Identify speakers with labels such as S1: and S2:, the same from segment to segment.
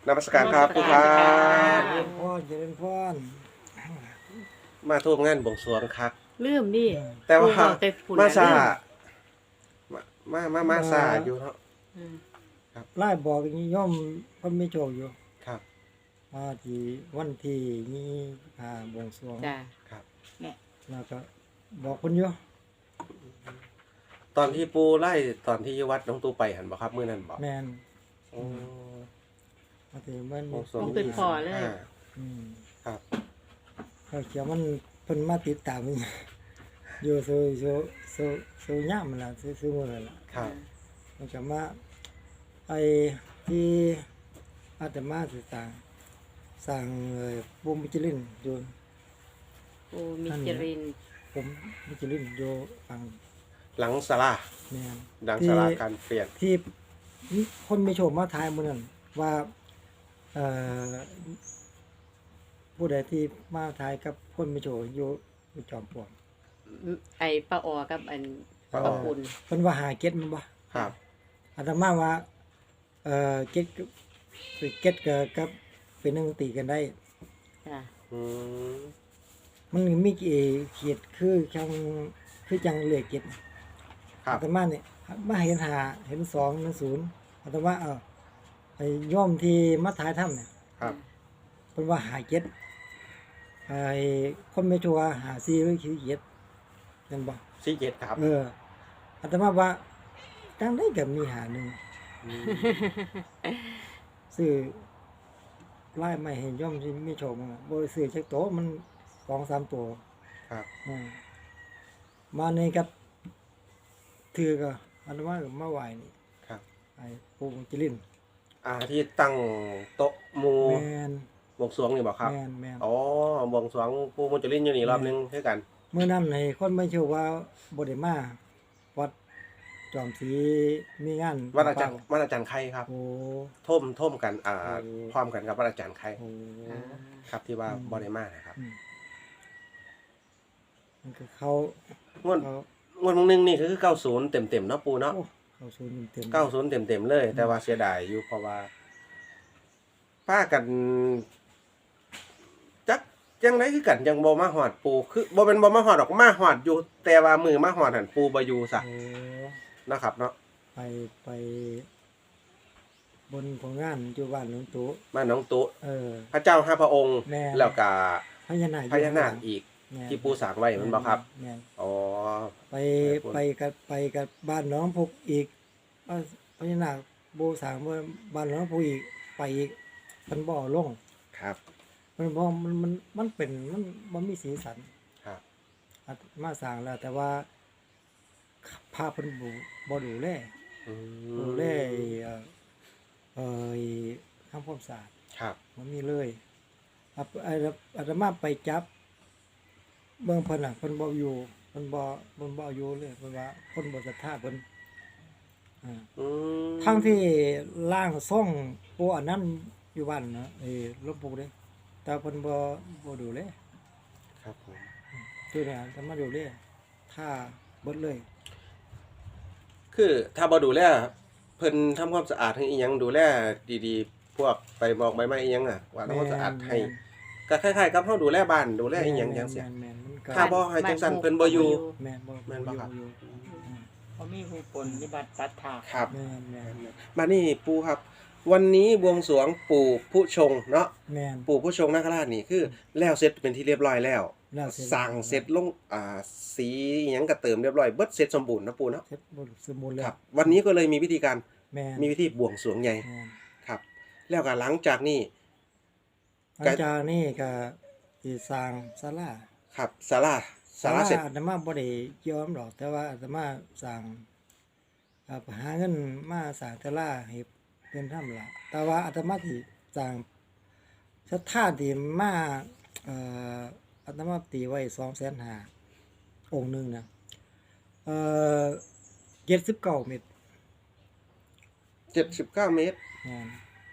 S1: นมัสการครับครูครั
S2: เจริ
S1: บ
S2: ญพรเจริญพร
S1: มาทูบงานบวงสรวงครับ
S3: ลืมนี่
S1: แต่ว่า
S3: ปู่บอกแต่ฝุ่น
S1: มา
S3: น่ะ
S1: ซา
S3: ลื
S1: มาซาอยู่เนาะ
S3: อืม
S2: ไล่บอกนี่ย่อมเพิ่นไม่โชคอยู่
S1: ครับ
S2: มาที่วันที่นี้บวงสรวง
S3: จ้ะ
S1: ครับ
S2: แล้วก็บอกเพิ่นอยู่
S1: ตอนที่ปูไล่ตอนที่วัดน้องตูไปหันบ่ครับมื้อนั้นบ่
S2: แม่น
S1: โอ้
S2: มาที่มัน
S1: บวงสรวง
S3: ต้องเป็นพ่อเลย
S2: อืม
S1: ครับ
S2: เขาเขียวมันเพิ่นมาติดตามมันอยู่สู้ย่ามมันล่ะสู้มื้อนั่นล่ะ
S1: ครับ
S2: มันก็มาไอ้ที่อาตมาสิสร้างปูมิจลินอยู่
S3: ปูมิจริน
S2: ผมมิจลินอยู่ฝั่ง
S1: หลังศาลา
S2: แม่น
S1: หลังศาลาการเปลี่ยน
S2: ที่คนไม่โชคมาทายมื้อนั้นว่าเอ่อผู้ใดที่มาทายกับคนไม่โชคอยู่จอมปลวก
S3: ไอ้ป้าออกับอัน
S1: ป้าออ
S3: ป้าปุ่น
S2: เพิ่นว่าหาเก็ดมันบ่
S1: ครับ
S2: อาตมาว่าเก็ดกับเป็นหนึงตีกันได้
S3: จ้ะ
S1: อืม
S2: มันมีเขียดคือจังเหลือเก็ด
S1: ครั
S2: อา
S1: บ
S2: ตมาเนี่ยมาเห็นหาเห็น2 0อาตมาไอ้ย่อมที่มาถ่ายถ้ำเนี่ย
S1: ครับ
S2: เพิ่นว่าหาเก็ดไอ้คนไม่ชัวร์หาซีหรือขี้เกียจนั่นบ่
S1: 47ครับ
S2: อาตมาว่าจังได้ก็มีหาหนึง
S1: อืม
S2: ซื้อไล่ไม่ให้ย่อมที่มีโชคมันบ่ได้ซื้อจักโตวมัน 2-3 ตัว
S1: ครับ
S2: มาในกับถือก็อาตมาก็มาไหว้นี่
S1: ครับ
S2: ไอ้ปู่จิรินทร์
S1: ที่ตั้งโต๊ะหมู่
S2: แม่น
S1: บวงสรวงนี่บ่ครับ
S2: แม่น
S1: อ๋อบวงสรวงปูมุจลินอยู่นี่รอบนึงคือกัน
S2: เมื่อนั้นให้คนไม่เชื่อว่าบ่ได้มาวัดจอมศรีมีงาน
S1: วัดอาจารย์ไข่ครับ
S2: โอ้
S1: ท่มกัน
S2: โอ้
S1: พร้อมกันกับวัดอาจารย์ไข่
S2: โห
S3: อ่า
S1: ครับที่ว่าบ่ได้มานะครับ
S2: มันก็เขา
S1: งวด
S2: เขา
S1: งวดมึงนึงนี่คือ90เต็มๆเนาะปูเนาะ
S2: โอ้เขาสูญเต็ม
S1: 90เต็มๆเลย แต่ว่าเสียดายอยู่เพราะว่าป้ากันจักจังไดคือกันยังบ่มาฮอดปูคือบ่เป็นบ่มาฮอดดอกมาฮอดอยู่ แต่ว่ามือมาฮอดหั่นปูบ่อยู่ซะ
S2: โอ้
S1: นะครับเนาะ
S2: ไปบนของงานอยู่บ้านหลวงตู่
S1: มาน้องตุ
S2: เ
S1: พระเจ้าห้าพระองค์
S2: แม่
S1: แล้วก็
S2: พญานาค
S1: พญานาคอีก
S2: แม่น
S1: ที่ปูสร้างไว้แมันบ่ครับ
S2: แม่น
S1: อ๋อ
S2: ไปกับบ้านหน้องพุกอีกพญานาคโบสร้างบ้านหน้องพุกอีกไปอีกมันบ่อลง
S1: ครับ
S2: มันบ่มันเป็นมันมีสีสัน
S1: ครับ
S2: อาตมาสร้างแล้วแต่ว่าภาพเพิ่นบ่ดูแล
S1: อื
S2: ดูแลทำความสะอาด
S1: ครับ
S2: มันมีเลยอาตมาไปจับเบิ่งเพิ่นน่ะเพิ่นบ่อยู่เพิ่นบ่อยู่เลยเพิ่นว่าคนบ่ศรัทธาเพิ่น
S1: อืม
S2: ทั้งที่ร่างทรงปู่อันนั้นอยู่บ้านนะหลวงปู่เด้แต่เพิ่นบ่ดูแล
S1: ครับผม
S2: คือเนี่ยถ้ามาดูแลถ้าเบิดเลย
S1: คือถ้าบ่ดูแลเพิ่นทำความสะอาดให้อีหยังดูแลดีๆ พวกใบหมอกใบไม้อีหยังว่าทำความสะอาดให้ก็คล้ายๆกับเฮาดูแลบ้านดูแลอีหยังจังซี่
S2: แม่นมันก็
S1: ถ้าบ่ให้จังซั่นเพิ่นบ่อยู่
S2: แม่นบ่
S1: แม่นบ่ครับ
S2: อยู่
S3: เขามีหูปนนิบัติตัดถาก
S1: ครับ
S2: แม่น
S1: มานี่ปู่ครับ วันนี้บวงสรวงปู่ผู้ชงเนาะ
S2: แม่น
S1: ปู่ผู้ชงนาคราชนี่คือแล้วเสร็จเป็นที่เรียบร้อยแล้ว
S2: แล้วเสร็จ
S1: สั่งเสร็จลงสีอิหยังก็เติมเรียบร้อยเบิดเสร็จสมบูรณ์นะปู่เนาะ
S2: เสร็จบ่สมบูรณ์แล้
S1: คว รับ วันนี้ก็เลยมีวิธีการ
S2: แม่น
S1: มีวิธีบวงสรวงใหญ่
S2: แม่น
S1: ครับ แล้วก็หลังจากนี้
S2: หลังจากนี้ก็สิสร้างศาลา
S1: ครับศาลาเสร็จ
S2: อาตมาบ่ได้ยอมหรอกแต่ว่าอาตมาสร้างหาเงินมาสร้างศาลาให้เพิ่นทำล่ะแต่ว่าอาตมาสิสร้างศรัทธาที่มาอาตมาตีไว้ 250,000องค์หนึงนะ79 เม็ด
S1: 79 เมตร
S2: แม่น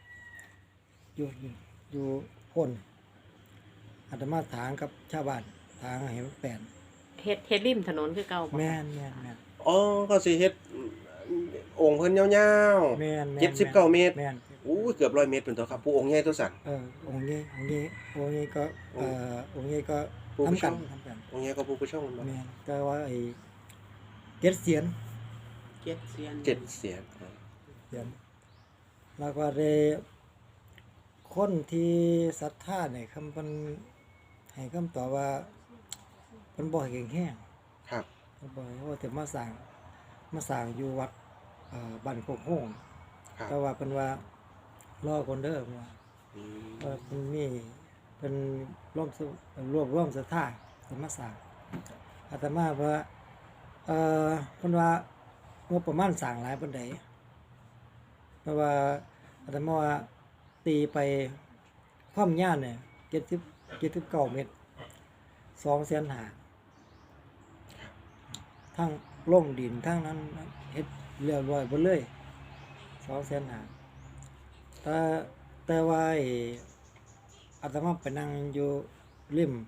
S2: อยู่พ้นอาตมาถางกับชาวบ้านถางให้มันแปลน
S3: เฮ็ดริมถนนคือเก่าบ่
S2: แม่น
S1: อ๋อก็สิเฮ็ดองค์เพิ่นยาว
S2: แม่น
S1: 79 เมตร
S2: แม่น
S1: โอ้อู้เกือบ100 เมตรเป็นตัวครับปูองค์ใหญ่ตัวสั่น
S2: องค์นี้ก็องค์นี้ก็
S1: ผู้ผู้
S2: ทำกัน
S1: ชม
S2: ทำกัน
S1: องค์ใหญ่ก็ปูผู้ช่องมันบ่
S2: แม่นแต่ว่าไอ้เจ็ดเสียน
S3: เจ็ดเซียน
S1: 7 เสียน
S2: เสียนแล้วก็ได้คนที่ศรัทธาเนี่ยคำเพิ่นให้คำตอบว่าเพิ่นบ่ให้แข็งแห้ง
S1: ครับ
S2: เพิ่นบ่ให้ว่าแต่มาสร้างอยู่วัดบ้านโคกโฮง
S1: ครับ
S2: แต่ว่าเพิ่นว่ารอคนเด้อเพิ่นว่า
S1: อืม
S2: เพิ่นมีเพิ่นร่วมศรัทธาเพิ่นมาสร้างอาตมาว่าเพิ่นว่างบประมาณสร้างหลายปานใดเพราะว่าอาตมาว่าตีไปความยาวเนี่ย79 เมตร2,500,000ทั้งลงดินทั้งนั้นเฮ็ดเรียบร้อยหมดเลย2,500,000แต่ว่าไอ้อาตมาไปนั่งอยู่ริม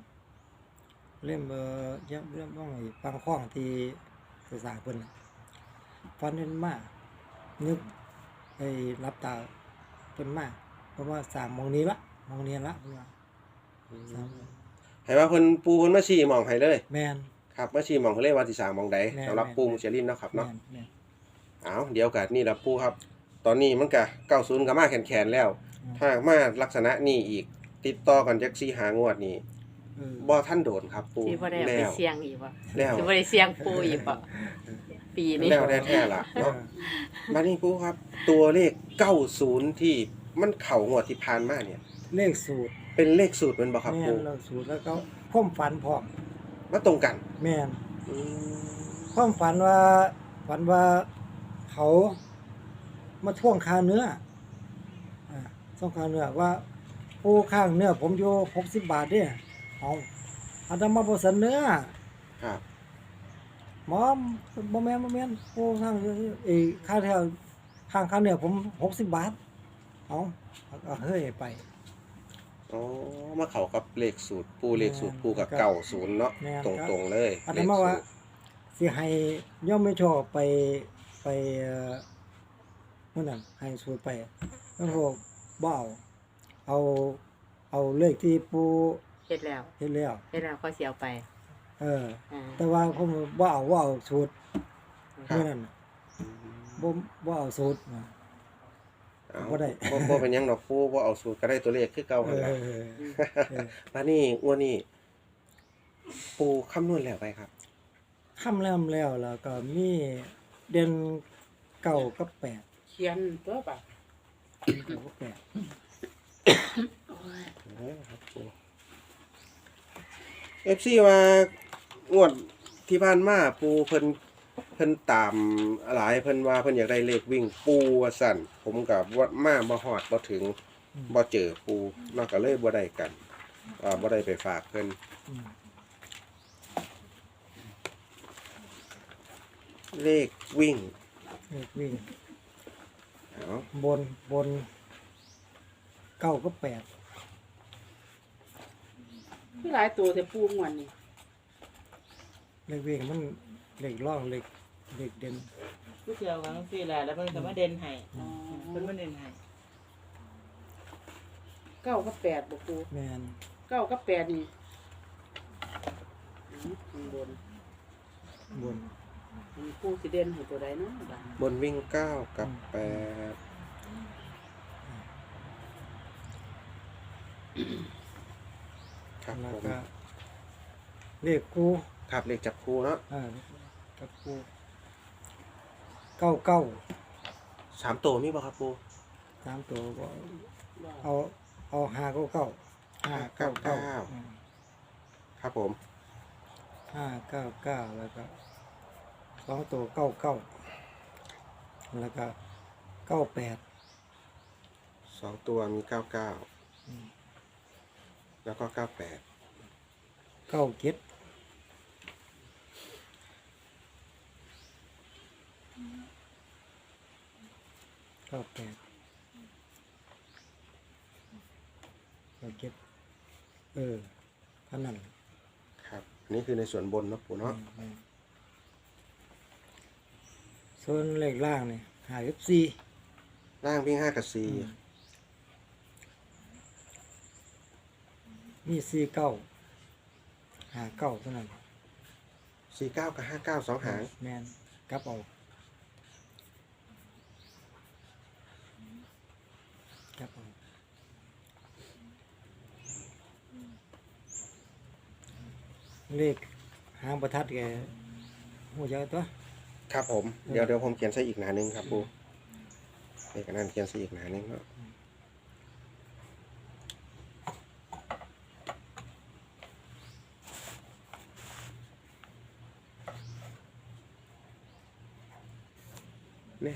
S2: ยังต้องไอ้ฟังคล้องที่สร้างเพิ่นน่ะฝันเห็นมานึกไอ้รับตาเพิ่นมาเพราะว่าสร้างหม้องนี้ละเพิ่นว่าสร้าง
S1: ให้ว่าเพิ่นปูเพิ่นมาชี้หม่องให้เลย
S2: แม่น
S1: ครับมาชี้หม่องเพิ่นเลยว่าสิสร้างหม่องใด
S2: แม่น
S1: สำหรับ
S2: แม่น
S1: ปูมุจลินเนาะครับเนาะ
S2: แม่น
S1: อ้าวเดี๋ยวกันนี่ล่ะปูครับ ตอนนี้มันก็90ก็มาแขนๆแล้ว ถ้ามาลักษณะนี้อีก ติดต่อกันจัก4-5 งวดนี่
S2: เออ
S1: บ่ทันโดนครับปู
S3: ที่บ่ได้เอาไป
S1: แล้ว
S3: เสี่ยงอีกบ่
S1: แล้ว
S3: ที่บ่ได้เสี่ยงปูอีกบ่ปีนี้
S1: แล้วแท้ๆล่ะเนาะบัดนี้ปูครับ ตัวเลข90ที่มันเข้างวดที่ผ่านมาเนี่ย
S2: เลขสูตร
S1: เป็นเลขสูตรแม่นบ่ครับ
S2: แม่
S1: ปู
S2: นเลขสูตรแล้วก็ความฝันพร้อม
S1: มาตรงกัน
S2: แม่น
S1: อืม
S2: ความฝันว่าเขามาท่วงค่าเนื้อท่วงค่าเนื้อว่าปูข้างเนื้อผมอยู่60 บาทเด้เอาอาตมาบ่เสนอ
S1: ครับ
S2: หมอบ่แม่นปูข้างค่าแถวข้างค่าเนื้อผม60 บาทเอาเฮ้ยไป
S1: อ๋อมาเข้ากับเลขสูตรปูเลขสูตรปูกับ
S2: แม่น
S1: 90เนาะ
S2: แม่น
S1: ตรงๆเลย
S2: อาต
S1: เลข
S2: มา
S1: สู
S2: ว่า
S1: ตร
S2: สิให้ย่อมไม่ชอบไปนั่นน่ะให้สูตรไปมันบอกบ่เอาเลขที่ปู
S3: เฮ็ดแล้ว
S2: เฮ็ดแล้ว
S3: เฮ็ดแล้วก็สิเอาไป อ่า
S2: แต่ว่าผมบ่เอาสูตร
S1: ครับ
S2: เมื่อนั้นน่ะบ่เอาสูตรนะ
S1: เอา
S2: บ่ได้
S1: บ่เป็นหยังดอกปูบ่เอาสูตรก็ได้ตัวเลขคือเก่า
S2: เอ
S1: หั่นล่ะ
S2: อ
S1: บัดนี้งวดนี้ปูคำนวณแล้วไปครับ
S2: ค่ำแล้วก็มีเดือน9กับ8
S3: เขียนตัวป่ะ
S2: 9กับ8
S1: FC ว่างวดที่ผ่านมาปูเพิ่นตามหลายเพิ่นว่าเพิ่นอยากได้เลขวิ่งปูว่าซั่นผมก็บ่มาบ่ฮอดบ่ถึงบ่เจอปูเนาะก็เลยบ่ได้กันบ่ได้ไปฝากเพิ่น
S2: อืม
S1: เลขวิ่ง
S2: เลขวิ่ง
S1: เอา
S2: บน9กับ8
S4: คือหลายตัวแต่ปูม่วนนี่
S2: เลขวิ่งมันเลขร่องเลขเด่น
S5: ผู้เที่ยวกันจังซี่แหละแล้วเพิ่นก็มาเด่นให้เพิ่นมาเด่นให้
S4: เก้ากับแปดบ่ปู
S2: แม่น
S4: เก้ากับแปดนี่ข้างบน
S2: บน
S4: อันนี้ปูสิเด่นให้ตัวใดเนาะบัด
S1: บนวิ่ง9กับ8ครับ
S2: แล้ว
S1: ผม
S2: ก็เลขกู
S1: ครับเลขจับคู่เนาะ
S2: กับกู99
S1: 3ตัวมีบ่ครับปู
S2: 3ตัวก็
S4: ว่า
S2: เอา599
S1: ครับผม
S2: 599แล้วก็2ตัว99แล้วก็98
S1: 2ตัวมี99แล้วก็98
S2: 97เท่านั้น
S1: ครับอันนี้คือในส่วนบนเนาะปูเนาะ
S2: ส่วนเลขล่างนี่54
S1: ล่างวิ่ง5กับ
S2: มีสี่เก้าหาเก้าเท่านั้น
S1: 49กับ59 2หาง
S2: แมนกลับเอากลับเอาเลขหางประทัดแกหัวใจตัว
S1: ครับผมเดี๋ยวผมเขียนใส่อีกหน้านึงครับปูเลขอันนั้นเขียนใส่อีกหน้านึงเนาะเนี่ย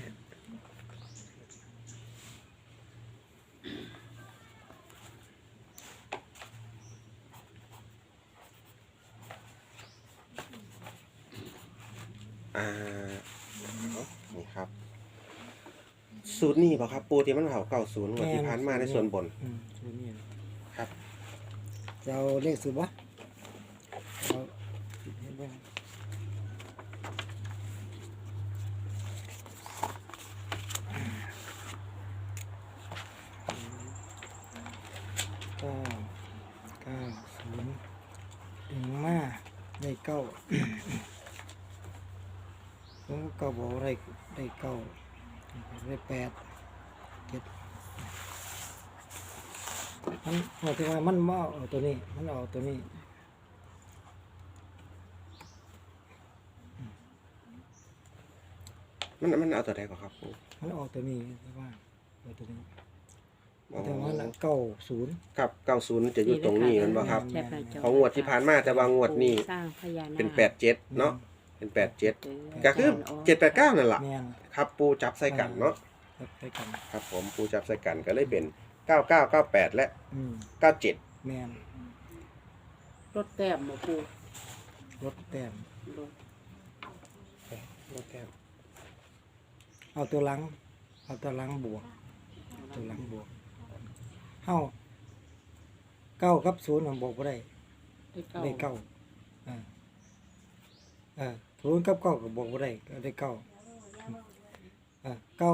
S1: นี่ครับสูตรนี้เปล่าครับปูที่มันเผา90งวดที่ผ่านมาในส่วนบน
S2: สูตรนี้
S1: ครับ
S2: จะเอาเลขสูตรวะเอาเห็นบ้างเก้าศูนย์ถึงมาได้เก้าผมก็เก้าบอกได้เก้าได้8 7มันหมายถึงว่ามันมาเอาตัวนี้มันเอาตัวนี้
S1: มันเอาตัวใดก่อนครับปู
S2: มันออกตัวนี้ใช่ป่ะเอาตัวนี้
S1: อ๋อ
S2: แต่ว่า90
S1: ครับ90จะอยู่ตรงนี้มันบ่ครับ
S3: แคปหน้าจอ
S1: ของงวดที่ผ่านมาแต่ว่างวดนี้
S3: สร้างพญานาค
S1: เป็น87เนาะเป็น87ก็คือ789นั่นล่ะ
S2: แม่น
S1: ครับปูจับใส่กันเนาะ
S2: ครับไปกัน
S1: ครับผมปูจับใส่กันก็เลยเป็น9998และ 97
S2: แม่น
S4: รถแต้มบ่ปู
S2: รถแต้ม
S4: รถ
S1: รถแก้ว
S2: เอาตัวหลังบวกตัวหลังบวกเฮา9กับ0มันบวกบ่ได้ ได้เก้าศูนย์กับเก้าก็บอกว่าได้ก็ได้เก้าเก้า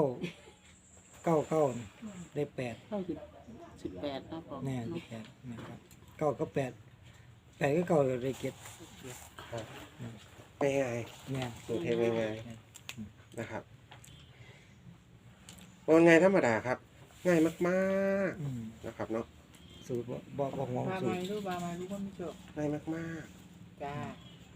S2: ได้8
S4: เข้า18ครับผม
S2: แน่8นะครับเก้ากับ8กับเก้าก็ได้7
S1: ง่าย
S2: แน่
S1: ๆสูตรเทง่ายๆนะครับว่าไงธรรมดาครับ ง่ายมากๆนะครับเนาะ
S2: สูตรบ่งง
S5: บา
S2: สู
S5: ไม้
S2: ตร
S5: รู้บาไม้รู้คนไม่จบ
S1: ง่ายมาก
S5: จ้า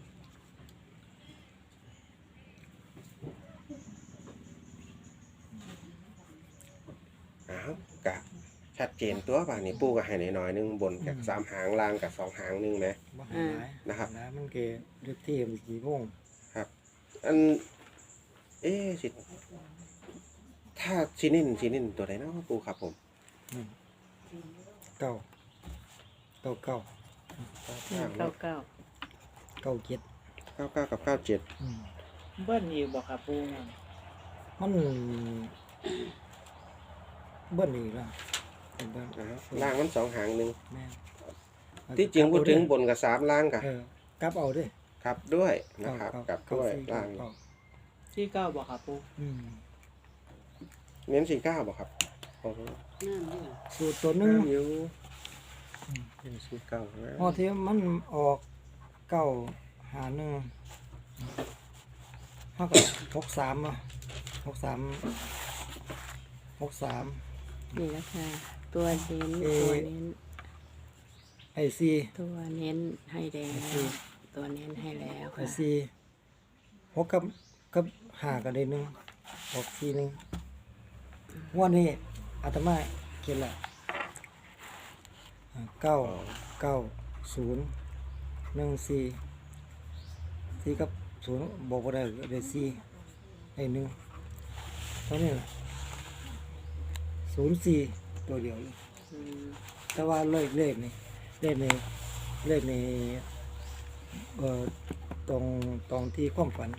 S1: ๆอ้าวกะชัดเจนตัวป่ะนี่ปูก็ให้หน่อยๆนึงบนกับ3หางล่างกับ2หางนึงนะ
S2: บ่หาย
S1: นะครับ
S2: นะมันเกเลือกที่มันกี่โมง
S1: ครับอันสิถ้าชินินตัวไหนเนาะปูครับผม
S2: เก้า
S3: เก้าเก้า
S1: 99กับ97
S5: เบิ้ลอีกบอกค่ะปูนั่น
S2: มันเบิ้ลอีกแล้วเบิ้ล
S1: ล่างมัน2หางนึง
S2: แม่น
S1: ที่จริงพูดถึงบนกับ3ล่างกับ
S2: กลับเอาด้วย
S1: ครับด้วยนะครับกับด้วยล่าง
S5: ที่เก้าบอกค่ะปู
S1: เน้น49บ่ครับโอ้โห
S4: นั่นนี่
S2: สูตรตัวหนึง
S1: อยู่เป็น49นะ
S2: พอที่มันออกเก้าหาหนึ่งเท่ากับ63อ่ะ63
S3: นี่แหละค่ะตัวเน้น
S2: เอ่อ
S3: ตัวเน้น
S2: ไอซี
S3: ตัวเน้นให้แล้วตัวเน้นให้แล้ว
S2: ไอ
S3: ค่ะ
S2: ซี6กับ5ก็ได้1ออก4 1วันนี้อาตมาเขียนละ4กับ0บอกบ่ได้ได้4ได้1เท่านี้ล่ะ04ตัวเดียวเลย
S3: อืม
S2: แต่ว่าเลขนี่ตรงที่ความฝัน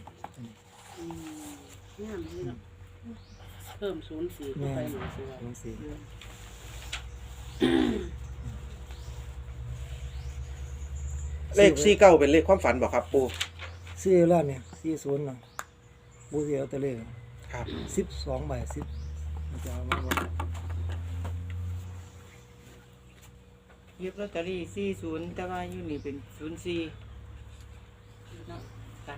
S4: งามนี่เนาะเพิ่ม04เข้าไปหน่อยสิว่า
S2: ตรงสี่
S1: เลข49เป็นเลขความฝันบ่ครับปู
S2: ซื้อแล้วเนี่ย40เนาะบูเสียตัวเลข
S1: ครับ
S2: 12ใบ10มันจะเอามาบ่
S5: หยิบลอตเตอรี่40แต่ว่าอยู่นี่เป็น04เนาะค่ะ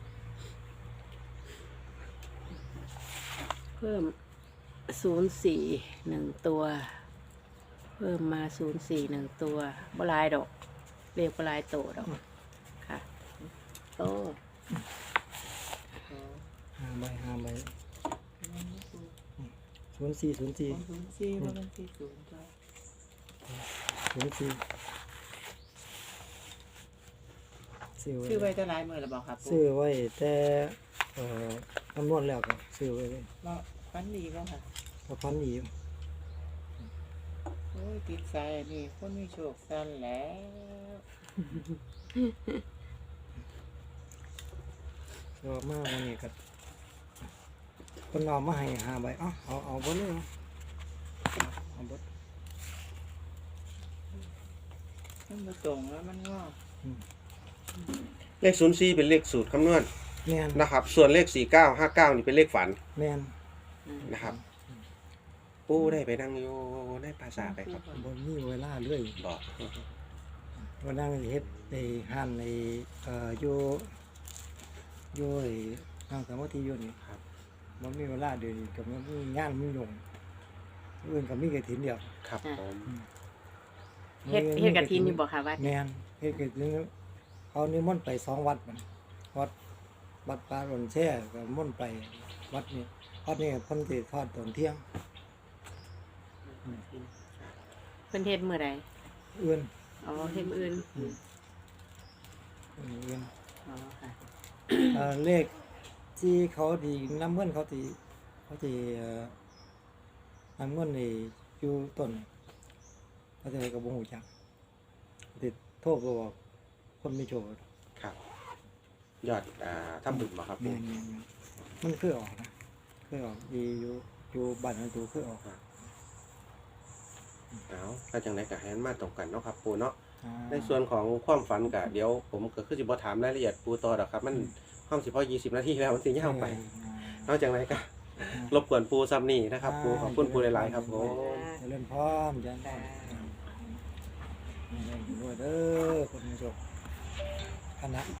S3: เพิ่ม04 1 ตัว เพิ่มมา04 1 ตัวบ่หลายดอกเรียกบ่หลายโตดอกค่ะโต
S2: หาใบ0404
S5: 04บ่มัน40จ้ะ
S2: 04ซื้อ
S5: ซื้อ
S2: ไว้
S5: ไว้แต่หลายมื้อแล้วบ่ครับ
S2: ซื้อไว้แต่คำนวณแล้วก็ซื้อไว้เลย
S5: บ่ฟันดีบ่ค่ะ
S2: ก็พันอีก
S5: โอ้ยติดใจอันนี่คนมีโชคสั้นแล้ว
S2: ก็มาวันนี้ก็คนเอามาให้5 ใบเอาเบ่เลยเอาเบ่
S5: มันบ่ตรงแล้วมันงอก
S1: เลข04เป็นเลขสูตรคำนวณ
S2: แม่น
S1: นะครับ ส่วนเลข4959นี่เป็นเลขฝัน
S2: แม่น
S1: นะครับปูได้ไปนั่งอยู่ในภาษาไปครับ
S2: บ่มีเวลาเลย
S1: บอก
S2: วันนั้นเฮ็ดในห้านในอยู่ไอ้ห้างสมาธิอยู่นี่
S1: ครับ
S2: บ่มีเวลาเดี๋ยวนี้ก็มันมีงานมีหยงอื่นก็มีกฐินเดียว
S1: ครับผม
S3: เฮ็ดกะทินอยู่บ่ค่ะวัด
S2: แม่นเฮ็ดกฐินเขานิมนต์ไป2 วัดมันวัดป่าหล่นแช่ก็นิมนต์ไปวัดนี้เพิ่นสิทอดตอนเที่ยง
S3: เพิ่นเฮ็ดมื้อใด
S2: อื่น
S3: อ๋อเฮ็ดมื้ออื่น
S2: อื่น
S3: อ๋อค่ะ
S2: เลขที่เขาดีน้ำเงินเขาที่น้ำเงินนี่อยู่ต้นเขาจะกับวงหูจักติดโทษก็บอกคนไม่โจทย์
S1: ครับยอดทำบุญบ่ครับ
S2: แม่
S1: ปู
S2: นมันเคยออกนะเคยออกดีอยู่บ้านของตัวเคยออก
S1: เอาถ้าจังไดก็ให้มันมาตรงกันเนาะครับปูเนาะ
S2: อ่า
S1: ในส่วนของความฝันก็เดี๋ยวผมก็คือสิบ่ถามรายละเอียดปูต่อดอกครับ มันห้องสิพอ20 นาทีแล้วมันสิยาวไปนอกจากนั้นก็รบกวนปูซ้ำนี่นะครับปูขอบคุณปูหลายๆครับผม
S2: เจริญพรยันพรด้วยเด้อคนไม่โจทย์คณะ